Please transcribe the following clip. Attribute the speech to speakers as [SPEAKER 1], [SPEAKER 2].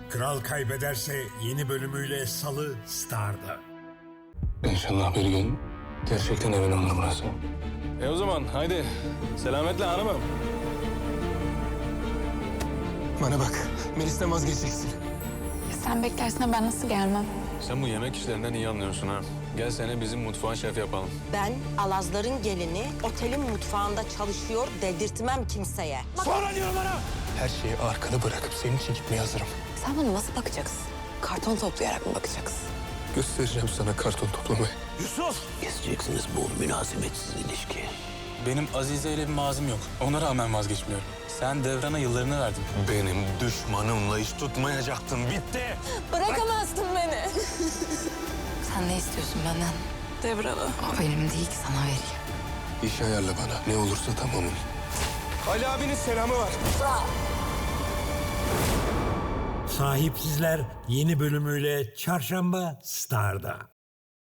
[SPEAKER 1] Kral Kaybederse yeni bölümüyle Salı Star'da.
[SPEAKER 2] İnşallah bir gün gerçekten evin olur burası.
[SPEAKER 3] O zaman haydi. Selametle hanımım.
[SPEAKER 2] Bana bak, Melis'ten vazgeçeceksin.
[SPEAKER 4] Sen beklersen ben nasıl gelmem?
[SPEAKER 3] Sen bu yemek işlerinden iyi anlıyorsun ha. Gel seni bizim mutfağın şef yapalım.
[SPEAKER 5] Ben Alazların gelini otelin mutfağında çalışıyor dedirtmem kimseye.
[SPEAKER 2] Her şeyi arkada bırakıp senin için gitmeye hazırım.
[SPEAKER 4] Sen bana nasıl bakacaksın? Karton toplayarak mı bakacaksın?
[SPEAKER 2] Göstereceğim sana karton toplamayı.
[SPEAKER 6] Keseceksiniz bu münasebetsiz ilişki.
[SPEAKER 3] Benim Azize ile bir mazim yok. Ona rağmen vazgeçmiyorum. Sen Devran'a yıllarını verdin.
[SPEAKER 2] Benim düşmanımla iş tutmayacaktın. Bitti.
[SPEAKER 4] Bırakamazsın beni. Sen ne istiyorsun benden? Devran'ı. O benim değil ki sana vereyim.
[SPEAKER 2] İş ayarla bana. Ne olursa tamamım. Ali abinin selamı var.
[SPEAKER 1] Sahipsizler yeni bölümüyle Çarşamba Star'da.